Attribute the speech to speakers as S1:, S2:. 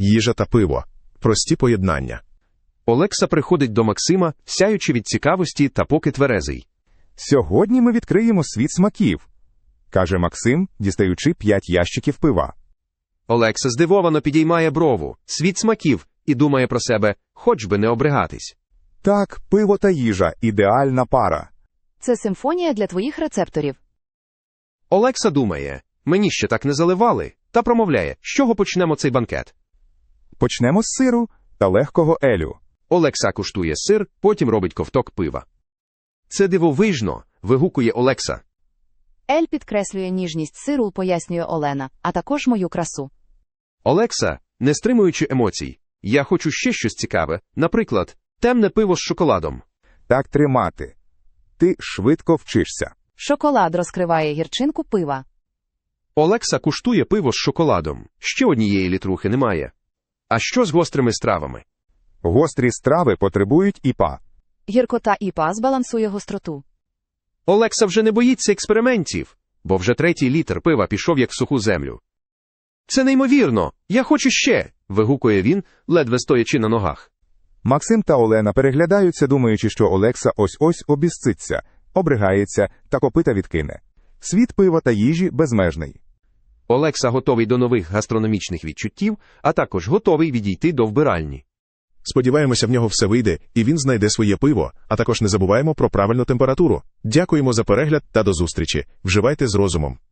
S1: Їжа та пиво. Прості поєднання.
S2: Олекса приходить до Максима, сяючи від цікавості та поки тверезий.
S3: «Сьогодні ми відкриємо світ смаків», – каже Максим, дістаючи 5 ящиків пива.
S2: Олекса здивовано підіймає брову, світ смаків, і думає про себе, хоч би не обригатись.
S3: Так, пиво та їжа – ідеальна пара.
S4: Це симфонія для твоїх рецепторів.
S2: Олекса думає, мені ще так не заливали, та промовляє, з чого почнемо цей банкет.
S3: Почнемо з сиру та легкого елю.
S2: Олекса куштує сир, потім робить ковток пива. Це дивовижно, вигукує Олекса.
S4: Ель підкреслює ніжність сиру, пояснює Олена, а також мою красу.
S2: Олекса, не стримуючи емоцій, я хочу ще щось цікаве, наприклад, темне пиво з шоколадом.
S3: Так тримати. Ти швидко вчишся.
S4: Шоколад розкриває гірчинку пива.
S2: Олекса куштує пиво з шоколадом, ще однієї літрухи немає. А що з гострими стравами?
S3: Гострі страви потребують ІПА.
S4: Гіркота ІПА збалансує гостроту.
S2: Олекса вже не боїться експериментів, бо вже 3-й літр пива пішов як в суху землю. Це неймовірно, я хочу ще, вигукує він, ледве стоячи на ногах.
S3: Максим та Олена переглядаються, думаючи, що Олекса ось-ось обізциться, обригається та копита відкине. Світ пива та їжі безмежний.
S2: Олекса готовий до нових гастрономічних відчуттів, а також готовий відійти до вбиральні.
S1: Сподіваємося, в нього все вийде, і він знайде своє пиво, а також не забуваємо про правильну температуру. Дякуємо за перегляд та до зустрічі. Вживайте з розумом.